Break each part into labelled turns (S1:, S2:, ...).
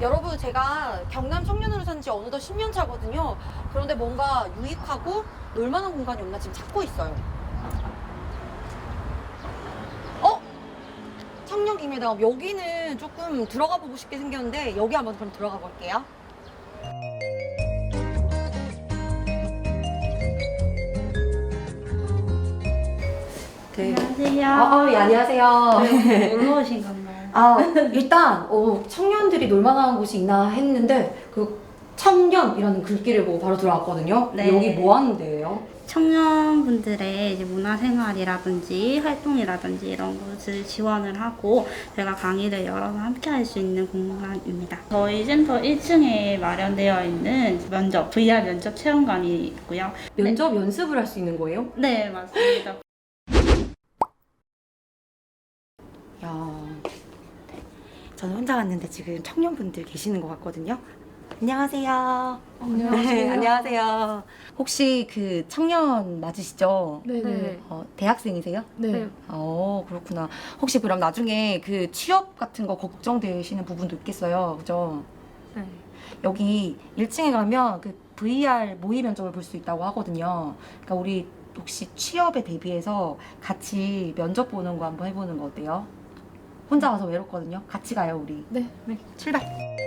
S1: 여러분, 제가 경남 청년으로 산 지 어느덧 10년 차거든요. 그런데 뭔가 유익하고 놀만한 공간이 없나 지금 찾고 있어요. 청년입니다. 여기는 조금 들어가 보고 싶게 생겼는데 여기 한번 그럼 들어가 볼게요. 네.
S2: 안녕하세요.
S1: 예, 안녕하세요.
S2: 놀러 오신 건가요?
S1: 일단 청년들이 놀만한 곳이 있나 했는데 그 청년이라는 글귀를 보고 바로 들어왔거든요.
S2: 네.
S1: 여기 뭐 하는 데예요?
S2: 청년분들의 이제 문화생활이라든지 활동이라든지 이런 것을 지원을 하고 저희가 강의를 열어서 함께 할 수 있는 공간입니다. 저희 센터 1층에 마련되어 있는 VR 면접 체험관이 있고요.
S1: 면접 연습을 할 수 있는 거예요?
S2: 네, 맞습니다.
S1: 야, 저는 혼자 왔는데 지금 청년분들 계시는 것 같거든요. 안녕하세요. 네, 안녕하세요. 혹시 그 청년 맞으시죠?
S3: 네네.
S1: 대학생이세요?
S3: 네.
S1: 그렇구나. 혹시 그럼 나중에 그 취업 같은 거 걱정되시는 부분도 있겠어요. 그죠?
S3: 네.
S1: 여기 1층에 가면 그 VR 모의 면접을 볼 수 있다고 하거든요. 그러니까 우리 혹시 취업에 대비해서 같이 면접 보는 거 한번 해보는 거 어때요? 혼자 와서 외롭거든요. 같이 가요, 우리.
S3: 네.
S1: 출발!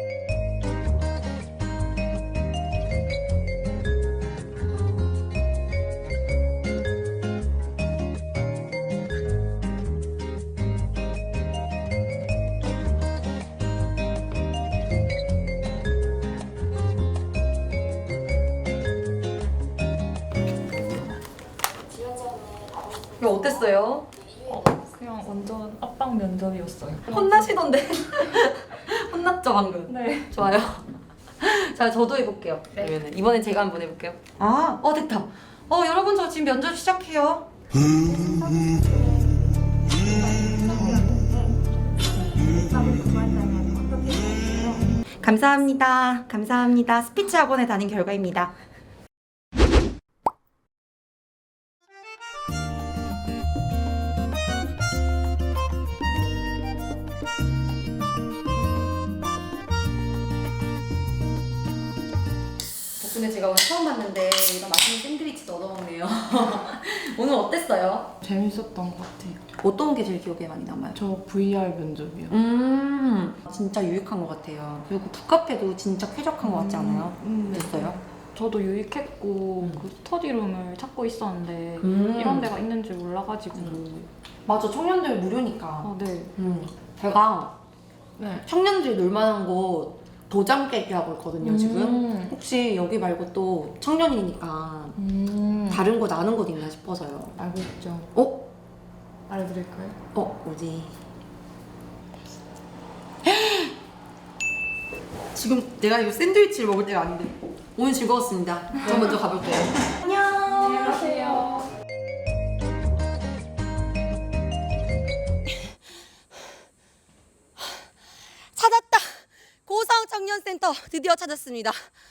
S1: 이거 어땠어요?
S3: 그냥 완전 압박 면접이었어요.
S1: 혼나시던데? 혼났죠, 방금?
S3: 네.
S1: 좋아요. 자, 저도 해볼게요.
S3: 네.
S1: 그러면은 이번엔 제가 한번 해볼게요. 됐다. 여러분 저 지금 면접 시작해요. 감사합니다. 감사합니다. 스피치 학원에 다닌 결과입니다. 덕분에 제가 오늘 처음 봤는데 이런 맛있는 샌드위치도 얻어먹네요. 오늘 어땠어요?
S3: 재밌었던 것 같아요.
S1: 어떤 게 제일 기억에 많이 남아요?
S3: 저 VR 면접이요.
S1: 진짜 유익한 것 같아요. 그리고 북카페도 진짜 쾌적한 것 같지 않아요?
S3: 네.
S1: 됐어요?
S3: 저도 유익했고 그 스터디룸을 찾고 있었는데 이런 데가 있는 줄 몰라가지고.
S1: 맞아, 청년들 무료니까.
S3: 네.
S1: 제가
S3: 네.
S1: 청년들이 놀만한 곳 도장 깨기하고 있거든요, 지금. 혹시 여기 말고 또 청년이니까 다른 곳 아는 곳 있나 싶어서요.
S3: 알고 있죠. 알려드릴까요?
S1: 뭐지? 지금 내가 이 샌드위치를 먹을 때가 아닌데. 오늘 즐거웠습니다. 저 먼저 가볼게요. 안녕.
S3: 안녕하세요.
S1: 찾았다. 고성 청년센터 드디어 찾았습니다.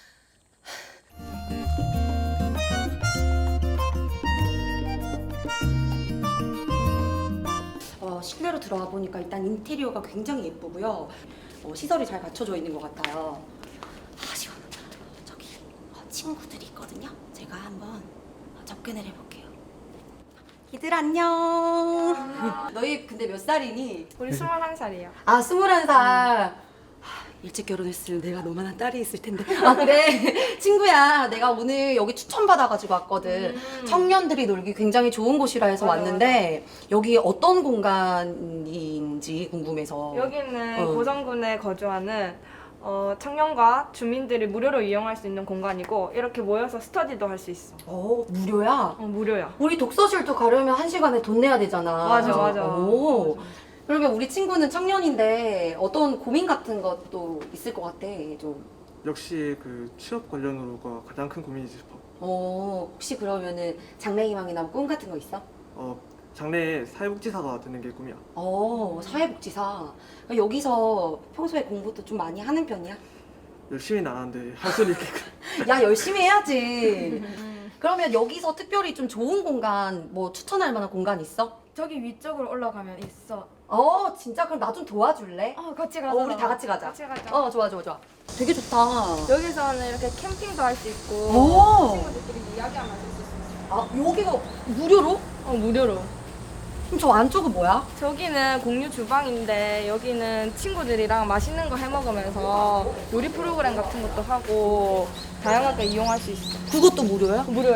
S1: 실내로 들어와 보니까 일단 인테리어가 굉장히 예쁘고요. 시설이 잘 갖춰져 있는 것 같아요. 시원하다. 저기 친구들이 있거든요. 제가 한번 접근을 해볼게요. 얘들 안녕. 너희 근데 몇 살이니?
S4: 우리 21살이에요.
S1: 21살. 일찍 결혼했으면 내가 너만한 딸이 있을 텐데. 그래. 친구야, 내가 오늘 여기 추천받아가지고 왔거든. 청년들이 놀기 굉장히 좋은 곳이라 해서
S4: 맞아,
S1: 왔는데, 여기 어떤 공간인지 궁금해서.
S4: 여기는 고성군에 거주하는 청년과 주민들이 무료로 이용할 수 있는 공간이고 이렇게 모여서 스터디도 할 수 있어.
S1: 무료야?
S4: 무료야.
S1: 우리 독서실도 가려면 1시간에 돈 내야 되잖아.
S4: 맞아.
S1: 그러면 우리 친구는 청년인데 어떤 고민 같은 것도 있을 것 같아, 좀.
S5: 역시 그 취업 관련으로가 가장 큰 고민이지 싶어.
S1: 혹시 그러면은 장래희망이나 꿈 같은 거 있어?
S5: 장래에 사회복지사가 되는 게 꿈이야.
S1: 사회복지사. 여기서 평소에 공부도 좀 많이 하는 편이야?
S5: 열심히는 안 하는데 할 수는 있게.
S1: 야, 열심히 해야지. 그러면 여기서 특별히 좀 좋은 공간, 뭐 추천할 만한 공간 있어?
S4: 저기 위쪽으로 올라가면 있어.
S1: 진짜? 그럼 나 좀 도와줄래?
S4: 같이 가자.
S1: 우리 다 같이 가자.
S4: 같이 가자.
S1: 좋아. 되게 좋다.
S4: 여기서는 이렇게 캠핑도 할 수 있고
S1: 오.
S4: 친구들끼리 이야기하면서 있을 수 있어.
S1: 여기가 무료로?
S4: 무료로.
S1: 그럼 저 안쪽은 뭐야?
S4: 저기는 공유 주방인데 여기는 친구들이랑 맛있는 거 해 먹으면서 요리 프로그램 같은 것도 하고 다양하게 이용할 수 있어.
S1: 그것도 무료야?
S4: 무료야.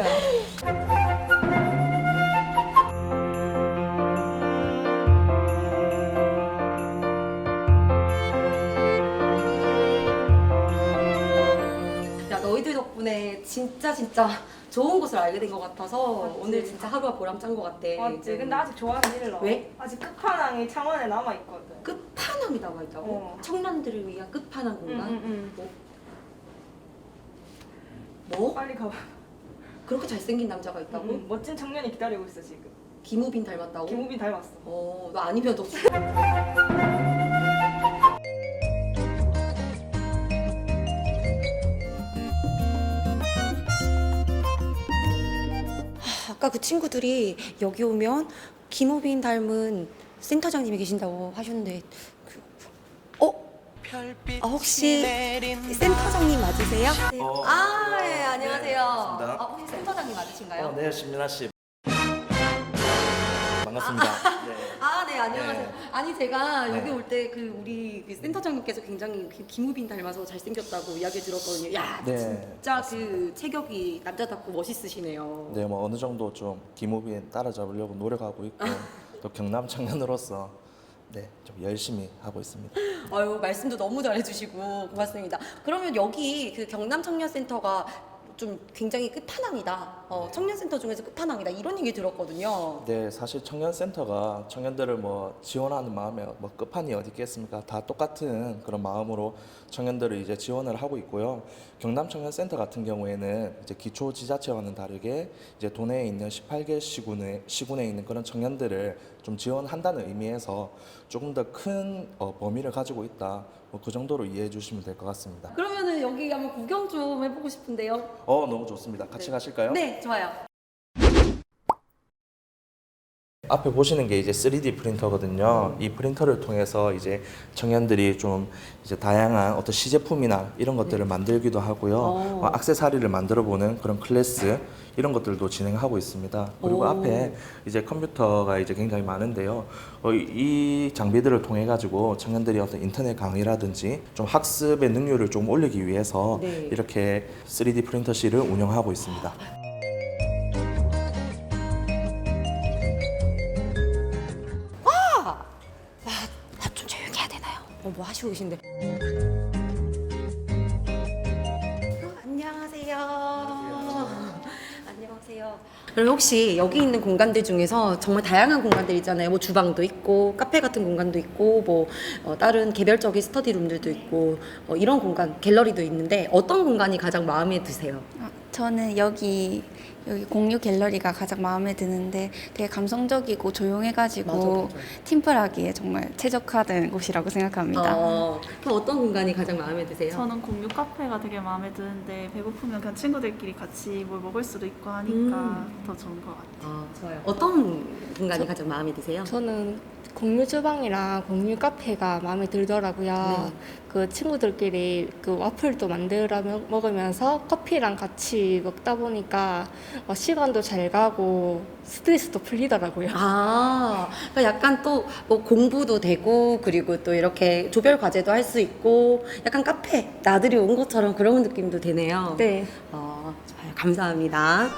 S1: 야, 너희들 덕분에 진짜 좋은 곳을 알게 된 것 같아서
S4: 맞지?
S1: 오늘 진짜 하루가 보람찬 것 같아.
S4: 맞지? 근데 아직 좋아하는 일러.
S1: 왜?
S4: 아직 끝판왕이 창원에 남아있거든.
S1: 끝판왕이 나와 있다고? 청년들을 위한 끝판왕 공간?
S4: 응.
S1: 뭐?
S4: 빨리 가봐.
S1: 그렇게 잘생긴 남자가 있다고?
S4: 멋진 청년이 기다리고 있어 지금.
S1: 김우빈 닮았다고?
S4: 김우빈 닮았어.
S1: 너 아니면 너 아까 그 친구들이 여기 오면 김우빈 닮은 센터장님이 계신다고 하셨는데 혹시 센터장님 맞으세요? 네, 안녕하세요.
S6: 반갑습니다.
S1: 혹시 센터장님 맞으신가요?
S6: 네, 신민아 씨. 반갑습니다. 네.
S1: 네, 안녕하세요.
S6: 네.
S1: 아니, 제가
S6: 네.
S1: 여기 올 때 우리 센터장님께서 굉장히 김우빈 닮아서 잘생겼다고 이야기 들었거든요. 야,
S6: 네,
S1: 진짜
S6: 맞습니다.
S1: 그 체격이 남자답고 멋있으시네요.
S6: 네, 뭐 어느 정도 좀 김우빈 따라잡으려고 노력하고 있고 또 경남 청년으로서 네, 좀 열심히 하고 있습니다.
S1: 말씀도 너무 잘해주시고 고맙습니다. 그러면 여기 그 경남 청년센터가 좀 굉장히 끝판왕이다. 청년센터 중에서 끝판왕이다. 이런 얘기 들었거든요.
S6: 네, 사실 청년센터가 청년들을 뭐 지원하는 마음에 뭐 끝판이 어디 있겠습니까? 다 똑같은 그런 마음으로 청년들을 이제 지원을 하고 있고요. 경남 청년센터 같은 경우에는 이제 기초 지자체와는 다르게 이제 도내에 있는 18개 시군에 있는 그런 청년들을 좀 지원한다는 의미에서 조금 더 큰 범위를 가지고 있다. 뭐 그 정도로 이해해 주시면 될 것 같습니다.
S1: 그러면은 여기 한번 구경 좀 해보고 싶은데요.
S6: 너무 좋습니다. 같이 가실까요?
S1: 네, 좋아요.
S6: 앞에 보시는 게 이제 3D 프린터거든요. 이 프린터를 통해서 이제 청년들이 좀 이제 다양한 어떤 시제품이나 이런 것들을 만들기도 하고요. 액세서리를 만들어 보는 그런 클래스 이런 것들도 진행하고 있습니다. 그리고 앞에 이제 컴퓨터가 이제 굉장히 많은데요. 이 장비들을 통해 가지고 청년들이 어떤 인터넷 강의라든지 좀 학습의 능률을 좀 올리기 위해서
S1: 네.
S6: 이렇게 3D 프린터실을 운영하고 있습니다.
S1: 나 좀 조용히 해야 되나요? 뭐 하시고 계신데? 안녕하세요. 안녕하세요. 그럼 혹시 여기 있는 공간들 중에서 정말 다양한 공간들 있잖아요. 뭐 주방도 있고 카페 같은 공간도 있고 뭐 다른 개별적인 스터디룸들도 있고 이런 공간 갤러리도 있는데 어떤 공간이 가장 마음에 드세요?
S7: 저는 여기 공유 갤러리가 가장 마음에 드는데 되게 감성적이고 조용해가지고
S1: 맞아.
S7: 팀플하기에 정말 최적화된 곳이라고 생각합니다.
S1: 그럼 어떤 공간이 가장 마음에 드세요?
S2: 저는 공유 카페가 되게 마음에 드는데 배고프면 그냥 친구들끼리 같이 뭘 먹을 수도 있고 하니까 더 좋은 것 같아요.
S1: 좋아요. 어떤 공간이 가장 마음에 드세요?
S8: 저는 공유 주방이랑 공유 카페가 마음에 들더라고요.
S1: 네.
S8: 그 친구들끼리 그 와플도 만들어 먹으면서 커피랑 같이 먹다 보니까 시간도 잘 가고 스트레스도 풀리더라고요.
S1: 그러니까 약간 또 뭐 공부도 되고 그리고 또 이렇게 조별 과제도 할 수 있고 약간 카페 나들이 온 것처럼 그런 느낌도 되네요.
S8: 네.
S1: 좋아요. 감사합니다.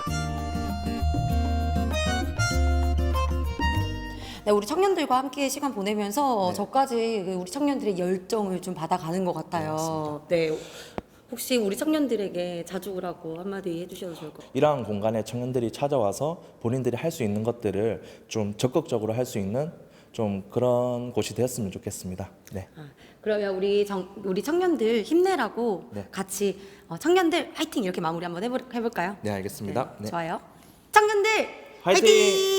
S1: 네, 우리 청년들과 함께 시간 보내면서
S6: 네.
S1: 저까지 우리 청년들의 열정을 좀 받아가는 것 같아요. 네. 혹시 우리 청년들에게 자주 오라고 한마디 해주셔도 좋을 것 같아요.
S6: 이러한 공간에 청년들이 찾아와서 본인들이 할 수 있는 것들을 좀 적극적으로 할 수 있는 좀 그런 곳이 되었으면 좋겠습니다. 네.
S1: 그러면 우리 청년들 힘내라고
S6: 네.
S1: 같이 청년들 화이팅 이렇게 마무리 한번 해볼까요?
S6: 네, 알겠습니다. 네.
S1: 좋아요. 청년들
S6: 화이팅!
S1: 화이팅!